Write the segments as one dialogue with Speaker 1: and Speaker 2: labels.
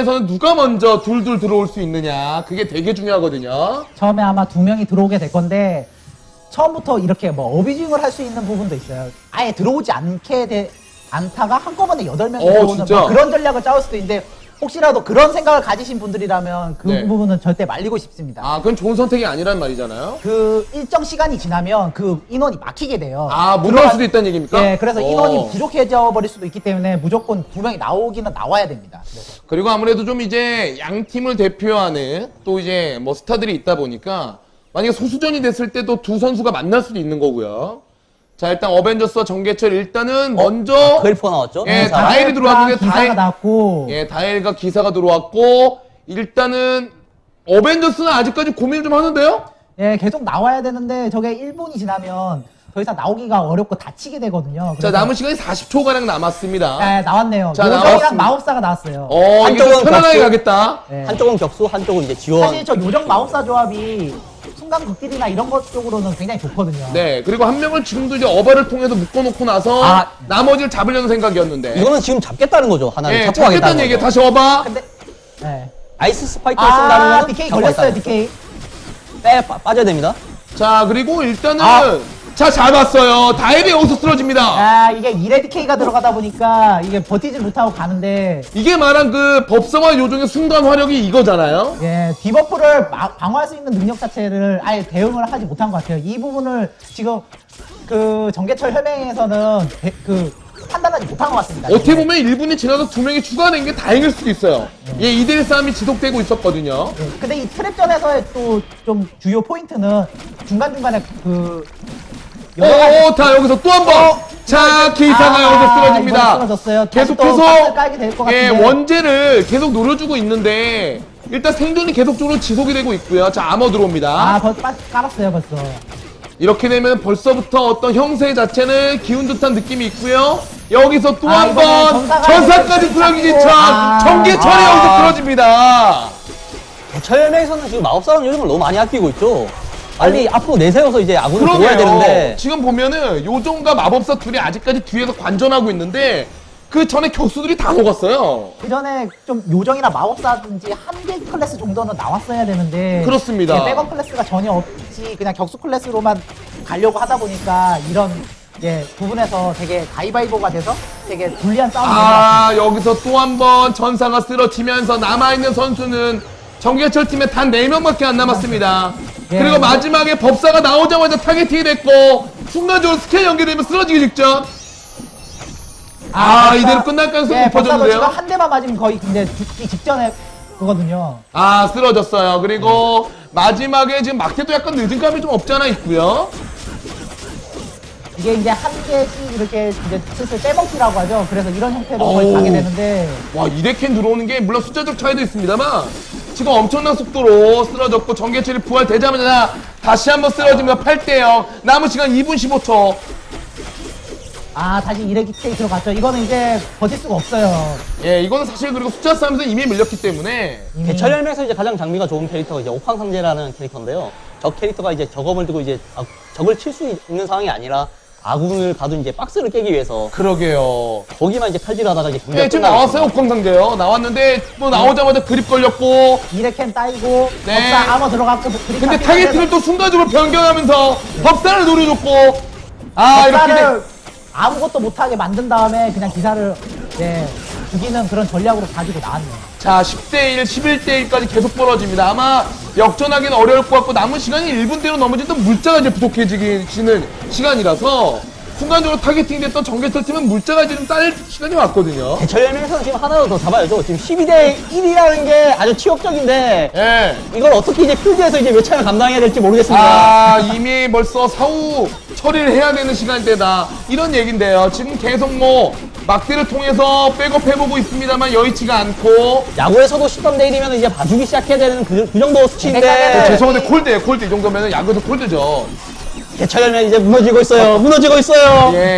Speaker 1: 입장에서는 누가 먼저 둘둘 들어올 수 있느냐 그게 되게 중요하거든요.
Speaker 2: 처음에 아마 2명이 들어오게 될 건데 처음부터 이렇게 뭐 어비징을 할 수 있는 부분도 있어요. 아예 들어오지 않다가 한꺼번에 8명이 들어오는 뭐 그런 전략을 짜올 수도 있는데 혹시라도 그런 생각을 가지신 분들이라면 그
Speaker 1: 네.
Speaker 2: 부분은 절대 말리고 싶습니다.
Speaker 1: 아, 그건 좋은 선택이 아니란 말이잖아요.
Speaker 2: 그 일정 시간이 지나면 그 인원이 막히게 돼요.
Speaker 1: 아, 못 나올 수도 있다는 얘기입니까?
Speaker 2: 네, 그래서 인원이 부족해져 버릴 수도 있기 때문에 무조건 2명이 나오기는 나와야 됩니다. 그래서.
Speaker 1: 그리고 아무래도 좀 이제 양 팀을 대표하는 또 이제 뭐 스타들이 있다 보니까 만약에 소수전이 됐을 때도 두 선수가 만날 수도 있는 거고요. 자, 일단 어벤져스와 정계철 일단은 먼저
Speaker 3: 그리퍼 나왔죠?
Speaker 1: 예, 다엘이 들어왔는데
Speaker 2: 기사가 나왔고
Speaker 1: 예, 다엘과 기사가 들어왔고 일단은 어벤져스는 아직까지 고민을 좀 하는데요.
Speaker 2: 예, 계속 나와야 되는데 저게 1분이 지나면 더 이상 나오기가 어렵고 다치게 되거든요.
Speaker 1: 자, 남은 시간이 40초가량 남았습니다.
Speaker 2: 네, 나왔네요.
Speaker 1: 자,
Speaker 2: 요정이랑
Speaker 1: 나왔습니다.
Speaker 2: 마법사가 나왔어요.
Speaker 1: 이게 좀
Speaker 3: 한쪽은
Speaker 1: 편안하게
Speaker 3: 격수.
Speaker 1: 가겠다.
Speaker 2: 네.
Speaker 3: 한쪽은 격수, 한쪽은 이제 지원.
Speaker 2: 사실 저 요정 마법사 조합이 순간 극딜이나 이런 것 쪽으로는 굉장히 좋거든요.
Speaker 1: 네, 그리고 한 명을 지금도 이제 어바를 통해서 묶어놓고 나서 나머지를 잡으려는 생각이었는데.
Speaker 3: 이거는 지금 잡겠다는 거죠. 하나를
Speaker 1: 예,
Speaker 3: 잡고
Speaker 1: 잡겠다는
Speaker 3: 가겠다는
Speaker 1: 얘기에
Speaker 3: 거죠.
Speaker 1: 다시 어바.
Speaker 2: 근데 네.
Speaker 3: 아이스 스파이크를 쓴다는 거는
Speaker 2: DK
Speaker 3: 잡고
Speaker 2: 걸렸어요,
Speaker 3: 가겠다는
Speaker 2: DK.
Speaker 3: 빠져야 됩니다.
Speaker 1: 자, 그리고 일단은 자, 잡았어요. 다이브 여기서 쓰러집니다.
Speaker 2: 아, 이게 1회 DK가 들어가다 보니까 이게 버티지 못하고 가는데
Speaker 1: 이게 말한 그 법성화 요정의 순간 화력이 이거잖아요.
Speaker 2: 예, 디버프를 방어할 수 있는 능력 자체를 아예 대응을 하지 못한 것 같아요. 이 부분을 지금 그 정계철 혈맹에서는 판단하지 못한 것 같습니다.
Speaker 1: 어떻게 보면 1분이 지나서 2명이 추가된 게 다행일 수도 있어요. 예, 2대1 싸움이 지속되고 있었거든요.
Speaker 2: 예, 근데 이 트랩전에서의 또 좀 주요 포인트는 중간중간에
Speaker 1: 자, 여기서 또 한 번. 자, 기사가 여기서 쓰러집니다.
Speaker 2: 이번 쓰러졌어요. 다시 또
Speaker 1: 계속해서
Speaker 2: 박스를 깔게 될 것
Speaker 1: 예,
Speaker 2: 같은데.
Speaker 1: 원제를 계속 노려주고 있는데 일단 생존이 계속적으로 지속이 되고 있고요. 자, 아머 들어옵니다.
Speaker 2: 벌써 깔았어요, 벌써.
Speaker 1: 이렇게 되면 벌써부터 어떤 형세 자체는 기운 좋다는 느낌이 있고요. 여기서 또 한
Speaker 2: 이번에
Speaker 1: 번
Speaker 2: 전사까지
Speaker 1: 전사까지 쓰러지기 전
Speaker 2: 잡히고.
Speaker 1: 정계철이 여기서 쓰러집니다.
Speaker 3: 대철명에서는 지금 마법사랑 요즘을 너무 많이 아끼고 있죠. 빨리 앞으로 내세워서 이제 아군을 도와야
Speaker 1: 그러게요.
Speaker 3: 되는데
Speaker 1: 지금 보면은 요정과 마법사 둘이 아직까지 뒤에서 관전하고 있는데 그 전에 격수들이 다 녹았어요.
Speaker 2: 그 전에 좀 요정이나 마법사든지 한 개 클래스 정도는 나왔어야 되는데.
Speaker 1: 그렇습니다.
Speaker 2: 예, 백업 클래스가 전혀 없이 그냥 격수 클래스로만 가려고 하다 보니까 이런 부분에서 되게 가위바위보가 돼서 되게 불리한 싸움이 된것 같아요.
Speaker 1: 여기서 또 한 번 전사가 쓰러지면서 남아있는 선수는 정계철 팀에 단 4명밖에 안 남았습니다.
Speaker 2: 예,
Speaker 1: 그리고 마지막에 법사가 나오자마자 타겟팅이 됐고 순간적으로 스킬 연계되면 쓰러지기 직전.
Speaker 2: 법사-
Speaker 1: 이대로 끝날 가능성이
Speaker 2: 법사도 지금
Speaker 1: 높아졌는데요.
Speaker 2: 한 대만 맞으면 거의 근데 죽기 직전에 그거든요.
Speaker 1: 쓰러졌어요. 그리고 마지막에 지금 막대도 약간 늦은 감이 좀 없지 않아 있고요.
Speaker 2: 이게 이제 한 개씩 이렇게 이제 슬슬 빼먹기라고 하죠. 그래서 이런 형태로 거의
Speaker 1: 어우.
Speaker 2: 가게 되는데.
Speaker 1: 와, 이데캔 들어오는 게 물론 숫자적 차이도 있습니다만 지금 엄청난 속도로 쓰러졌고 정계철이 부활되자마자 다시 한번 쓰러지며 8대0 남은 시간 2분 15초.
Speaker 2: 다시 2회 DK 들어갔죠. 이거는 이제 버틸 수가 없어요.
Speaker 1: 예, 이거는 사실 그리고 숫자 싸움에서 이미 밀렸기 때문에
Speaker 2: 이미.
Speaker 3: 대철열맹에서 이제 가장 장비가 좋은 캐릭터가 이제 옥황상제라는 캐릭터인데요. 저 캐릭터가 이제 저검을 들고 이제 적을 칠 수 있는 상황이 아니라 아군을 가도 이제 박스를 깨기 위해서
Speaker 1: 그러게요.
Speaker 3: 거기만 이제 칼질하다가 이제 경기가
Speaker 1: 예, 지금
Speaker 3: 끝나고
Speaker 1: 나왔어요.
Speaker 3: 있습니다.
Speaker 1: 옥황상제요. 나왔는데 또 나오자마자 그립 걸렸고
Speaker 2: 2회 캠 따이고
Speaker 1: 네.
Speaker 2: 법사 아머 들어갔고 그립
Speaker 1: 근데
Speaker 2: 잡히는데
Speaker 1: 타겟팅을 또 순간적으로 변경하면서 법사를 노려줬고 이렇게
Speaker 2: 법사를 아무것도 못하게 만든 다음에 그냥 기사를 죽이는 그런 전략으로 가지고 나왔네요.
Speaker 1: 자, 10대1, 11대1까지 계속 벌어집니다. 아마 역전하기는 어려울 것 같고 남은 시간이 1분대로 넘어지던 물자가 이제 부족해지는 시간이라서 순간적으로 타겟팅 됐던 정계철 팀은 물자가 지금 딸 시간이 왔거든요.
Speaker 3: 대철열맹에서는 지금 하나로 더 잡아야죠. 지금 12대 1이라는 게 아주 치욕적인데
Speaker 1: 예.
Speaker 3: 이걸 어떻게 이제 필드에서 이제 몇 차를 감당해야 될지 모르겠습니다.
Speaker 1: 이미 벌써 사후 처리를 해야 되는 시간대다. 이런 얘긴데요. 지금 계속 막대를 통해서 백업해보고 있습니다만 여의치가 않고.
Speaker 3: 야구에서도 13대 1이면 이제 봐주기 시작해야 되는 그 정도 수치인데
Speaker 2: 네.
Speaker 1: 죄송한데 콜드예요, 콜드. 이 정도면 야구에서 콜드죠.
Speaker 3: 대철열맹 이제 무너지고 있어요. 무너지고 있어요.
Speaker 1: 예.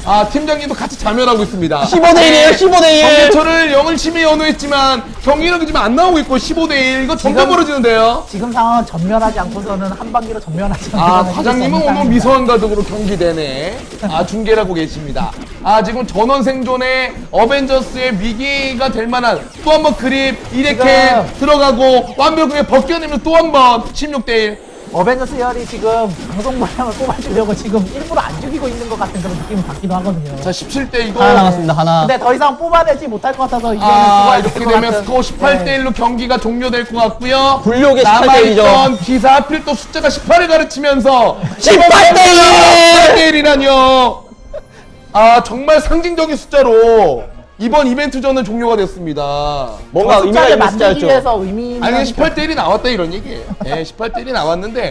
Speaker 1: 팀장님도 같이 자멸하고 있습니다.
Speaker 3: 15대1이에요, 15대1.
Speaker 1: 정계철을 영을심에 연호했지만 경기력이 지금 안 나오고 있고 15대1 이거 점점
Speaker 2: 지금-
Speaker 1: 벌어지는데요.
Speaker 2: 지금 상황은 전면하지 않고서는 한 방기로 전면하지 않고서는
Speaker 1: 과장님은 오늘 미소한 가족으로 경기 내내 중계를 하고 계십니다. 지금 전원 생존의 어벤져스의 위기가 될 만한 또 한 번 그립 이렇게
Speaker 2: 지금-
Speaker 1: 들어가고 완벽하게 벗겨내면 또 한 번 16대1.
Speaker 2: 어벤져스 열이 지금 방송 분량을 뽑아주려고 지금 일부러 안 죽이고 있는 것 같은 그런 느낌이 받기도 하거든요.
Speaker 1: 자 17대 이거
Speaker 3: 하나 남았습니다, 하나.
Speaker 2: 근데 더 이상 뽑아내지 못할 것 같아서 이제는 죽어야
Speaker 1: 이렇게
Speaker 2: 될것
Speaker 1: 되면
Speaker 2: 같은.
Speaker 1: 스코어 18대1로 경기가 종료될 것 같고요.
Speaker 3: 굴욕의 18대1 이죠.
Speaker 1: 남아있던 기사 하필 또 숫자가 18을 가르치면서
Speaker 3: 18대1!
Speaker 1: 18대1이라뇨. 정말 상징적인 숫자로 이번 이벤트전은 종료가 됐습니다.
Speaker 3: 뭔가
Speaker 2: 저
Speaker 3: 의미가
Speaker 2: 숫자를
Speaker 3: 있는
Speaker 2: 만들기
Speaker 3: 숫자였죠.
Speaker 2: 위해서 의미 있는
Speaker 1: 아니 18대1이 나왔다 이런 얘기예요. 18대1이 나왔는데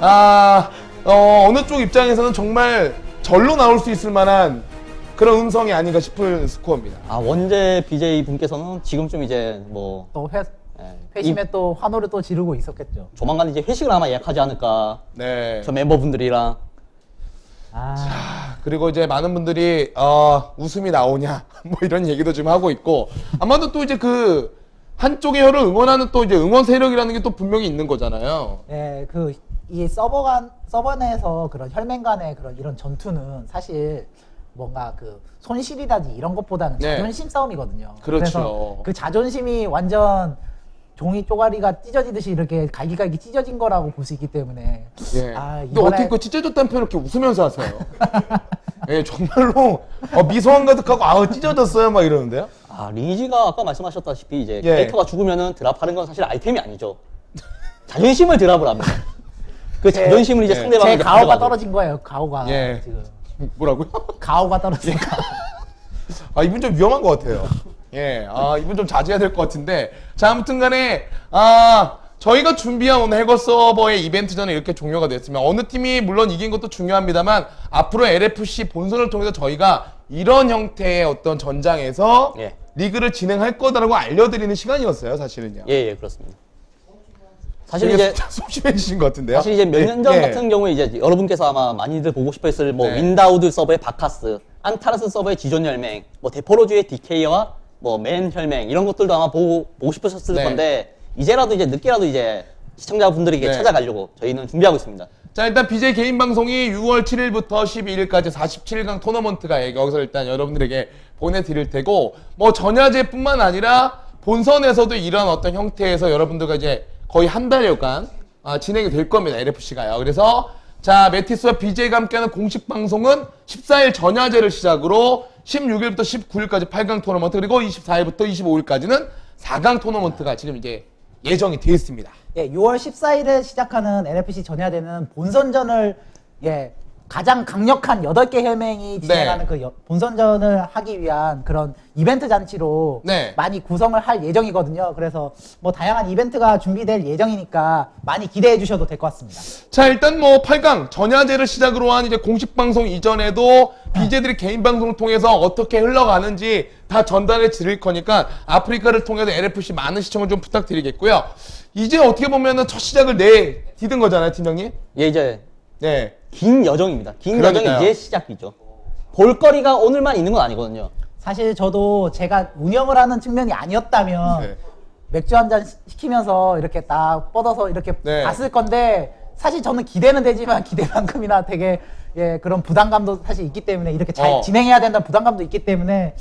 Speaker 1: 어느 쪽 입장에서는 정말 절로 나올 수 있을 만한 그런 음성이 아닌가 싶은 스코어입니다.
Speaker 3: 원제 BJ 분께서는 지금쯤 이제 뭐
Speaker 2: 또
Speaker 3: 예,
Speaker 2: 회심에 또 환호를 또 지르고 있었겠죠.
Speaker 3: 조만간 이제 회식을 아마 예약하지 않을까.
Speaker 1: 네.
Speaker 3: 저 멤버분들이랑.
Speaker 1: 그리고 이제 많은 분들이 웃음이 나오냐 뭐 이런 얘기도 좀 하고 있고 아마도 또 이제 그 한쪽의 혀를 응원하는 또 이제 응원 세력이라는 게 또 분명히 있는 거잖아요.
Speaker 2: 예, 이 서버 내에서 그런 혈맹 간의 그런 이런 전투는 사실 뭔가 그 손실이라든지 이런 것보다는
Speaker 1: 네.
Speaker 2: 자존심 싸움이거든요.
Speaker 1: 그렇죠.
Speaker 2: 그래서 그 자존심이 완전 종이 쪼가리가 찢어지듯이 이렇게 갈기갈기 찢어진 거라고 볼 수 있기 때문에
Speaker 1: 예. 근데 어떻게 그 찢어졌다는 표현을 이렇게 웃으면서 하세요? 예, 정말로 미소한 가득하고 찢어졌어요 막 이러는데요.
Speaker 3: 리니지가 아까 말씀하셨다시피 이제
Speaker 1: 예.
Speaker 3: 캐릭터가 죽으면은 드랍하는 건 사실 아이템이 아니죠. 자존심을 드랍을 합니다. 그 자존심을 이제
Speaker 1: 예.
Speaker 3: 상대방에게
Speaker 2: 제 가오가
Speaker 3: 가져가죠.
Speaker 2: 떨어진 거예요. 가오가
Speaker 1: 예.
Speaker 2: 지금
Speaker 1: 뭐라고요?
Speaker 2: 가오가 떨어지니까.
Speaker 1: 이분 좀 위험한 것 같아요. 예, 이분 좀 자제해야 될 것 같은데. 자, 아무튼 간에, 저희가 준비한 오늘 해거 서버의 이벤트전은 이렇게 종료가 됐으면, 어느 팀이 물론 이긴 것도 중요합니다만, 앞으로 LFC 본선을 통해서 저희가 이런 형태의 어떤 전장에서
Speaker 3: 예.
Speaker 1: 리그를 진행할 거다라고 알려드리는 시간이었어요, 사실은요.
Speaker 3: 예, 그렇습니다. 사실
Speaker 1: 되게
Speaker 3: 이제
Speaker 1: 소심해지신 것 같은데요.
Speaker 3: 사실 이제 몇 년 전
Speaker 1: 예.
Speaker 3: 같은 경우에 이제 여러분께서 아마 많이들 보고 싶어 했을 뭐
Speaker 1: 네.
Speaker 3: 윈다우드 서버의 바카스, 안타르스 서버의 지존 혈맹, 뭐 데포로즈의 디케이와 뭐 맨 혈맹 이런 것들도 아마 보고 싶으셨을
Speaker 1: 네.
Speaker 3: 건데 이제라도 이제 늦게라도 이제 시청자분들에게
Speaker 1: 네.
Speaker 3: 찾아가려고 저희는 준비하고 있습니다.
Speaker 1: 자, 일단 BJ 개인 방송이 6월 7일부터 12일까지 47강 토너먼트가 여기서 일단 여러분들에게 보내드릴 테고, 뭐 전야제뿐만 아니라 본선에서도 이런 어떤 형태에서 여러분들과 이제 거의 한 달여간 진행이 될 겁니다. LFC가요. 그래서 자, 메티스와 BJ가 함께하는 공식 방송은 14일 전야제를 시작으로 16일부터 19일까지 8강 토너먼트, 그리고 24일부터 25일까지는 4강 토너먼트가 지금 이제 예정이 되어 있습니다.
Speaker 2: 예, 6월 14일에 시작하는 NFC 전야대는 본선전을 가장 강력한 8개 혈맹이 진행하는 그 본선전을 하기 위한 그런 이벤트 잔치로
Speaker 1: 네.
Speaker 2: 많이 구성을 할 예정이거든요. 그래서 뭐 다양한 이벤트가 준비될 예정이니까 많이 기대해 주셔도 될 것 같습니다.
Speaker 1: 자, 일단 뭐 8강 전야제를 시작으로 한 이제 공식 방송 이전에도 BJ들이 개인 방송을 통해서 어떻게 흘러가는지 다 전달해 드릴 거니까 아프리카를 통해서 LFC 많은 시청을 좀 부탁드리겠고요. 이제 어떻게 보면은 첫 시작을 디딘 거잖아요, 팀장님?
Speaker 3: 예, 이제
Speaker 1: 네.
Speaker 3: 긴 여정입니다. 긴
Speaker 1: 그러니까요.
Speaker 3: 여정이 이제 시작이죠. 볼거리가 오늘만 있는 건 아니거든요.
Speaker 2: 사실 저도 제가 운영을 하는 측면이 아니었다면
Speaker 1: 네.
Speaker 2: 맥주 한 잔 시키면서 이렇게 딱 뻗어서 이렇게
Speaker 1: 네.
Speaker 2: 봤을 건데 사실 저는 기대는 되지만 기대만큼이나 되게 그런 부담감도 사실 있기 때문에 이렇게 잘 진행해야 된다는 부담감도 있기 때문에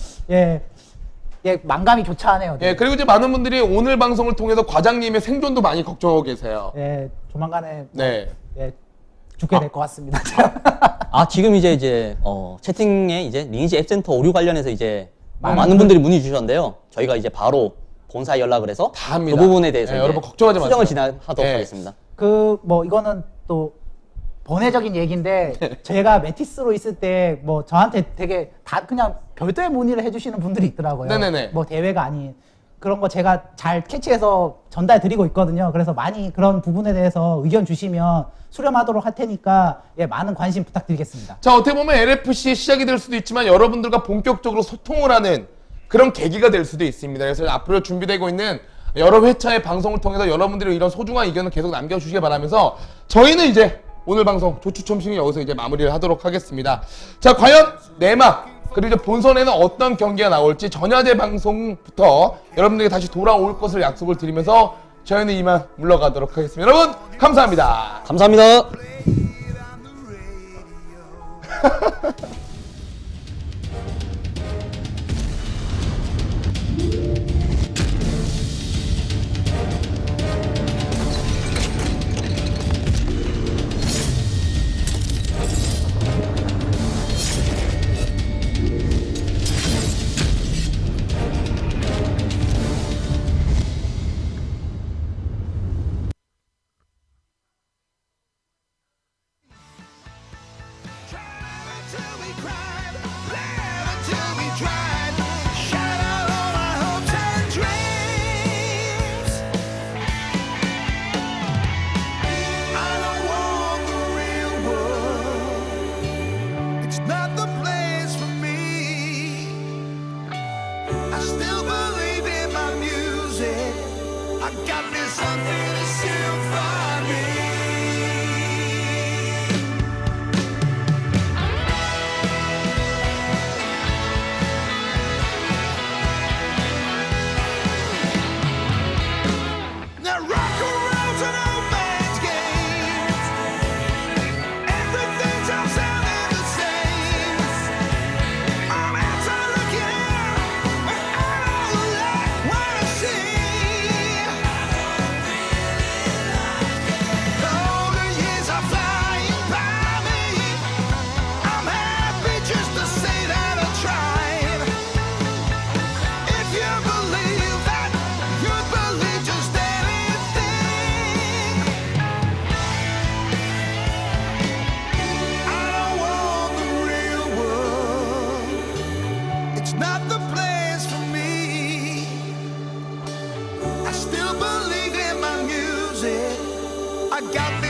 Speaker 2: 만감이 교차하네요.
Speaker 1: 예, 그리고 이제 많은 분들이 오늘 방송을 통해서 과장님의 생존도 많이 걱정하고 계세요.
Speaker 2: 조만간에
Speaker 1: 네.
Speaker 2: 죽게 될 것 같습니다.
Speaker 3: 지금 이제 채팅에 이제 리니지 앱센터 오류 관련해서 이제
Speaker 2: 많은
Speaker 3: 많은 분들이 문의 주셨는데요. 저희가 이제 바로 본사에 연락을 해서
Speaker 1: 다 합니다.
Speaker 3: 그 부분에 대해서
Speaker 1: 네,
Speaker 3: 이제
Speaker 1: 여러분 걱정하지
Speaker 3: 수정을
Speaker 1: 마세요.
Speaker 3: 진행하도록
Speaker 1: 네.
Speaker 3: 하겠습니다.
Speaker 2: 이거는 또 번외적인 얘기인데 제가 메티스로 있을 때 뭐 저한테 되게 다 그냥 별도의 문의를 해주시는 분들이 있더라고요.
Speaker 1: 네네네.
Speaker 2: 뭐 대회가 아닌 그런 거 제가 잘 캐치해서 전달 드리고 있거든요. 그래서 많이 그런 부분에 대해서 의견 주시면 수렴하도록 할 테니까 많은 관심 부탁드리겠습니다.
Speaker 1: 자, 어떻게 보면 LFC의 시작이 될 수도 있지만 여러분들과 본격적으로 소통을 하는 그런 계기가 될 수도 있습니다. 그래서 앞으로 준비되고 있는 여러 회차의 방송을 통해서 여러분들의 이런 소중한 의견을 계속 남겨주시기 바라면서 저희는 이제 오늘 방송 조추첨식은 여기서 이제 마무리를 하도록 하겠습니다. 자, 과연 내막 그리고 이제 본선에는 어떤 경기가 나올지 전야제 방송부터 여러분들에게 다시 돌아올 것을 약속을 드리면서 저희는 이만 물러가도록 하겠습니다. 여러분 감사합니다.
Speaker 3: 감사합니다.
Speaker 4: Till we cried, laughed until we tried, shut out all our hopes and dreams. I don't want the real world. It's not the place for me. I still believe in my music. I got this unfinished symphony. Now rock and roll's an old man's game. Everything sounds sounding the same. I'm outside looking, but I don't like what I see. Though the years are flying by me, I'm happy just to say that I tried. If you believe that, you believe just anything. I don't want the real world. It's not the place for me. I still believe in my music. I got this